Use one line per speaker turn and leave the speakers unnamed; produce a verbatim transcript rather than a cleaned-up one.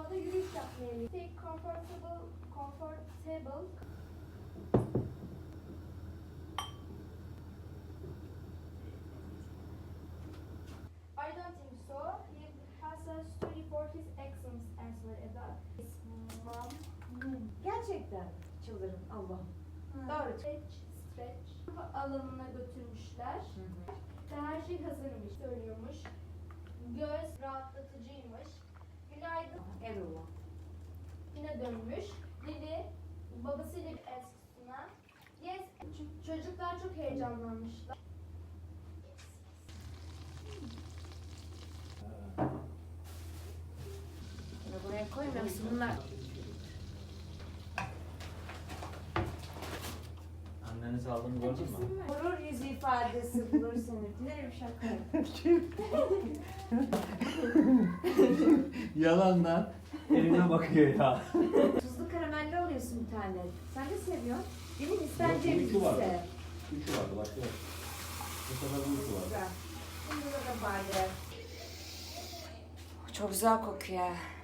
Doğada yürüyüş yapmaya gidiyor. Take comfortable, comfortable. I don't think so. He has a story for his excellence answer Eda. His mom.
Gerçekten çıldırın Allah'ım.
Doğru. Stretch, stretch. Alanına götürmüşler. Ve her şey hazırmış, söylüyormuş. Göz rahatlatıcıymış. Günaydın.
Erol'a.
Yine dönmüş. Lili babasıyla bir eskisine. Yes. Ç- Çocuklar çok heyecanlanmışlar.
Bunu buraya koymuyorsun bunlar.
Annenizi aldığını gördün mü?
Gurur yüzü ifadesi bulur seni. Dilerim şaka.
Yalandan eline bakıyor ya.
Tuzlu karamelli alıyorsun bir tane. Sen de seviyorsun. Benim
Yok,
isteneceğim
bu iki vardı.
ise.
Üçü vardı başka yok. Bu sefer bu üçü vardı.
Güzel. Bunda da bari. Çok güzel kokuyor.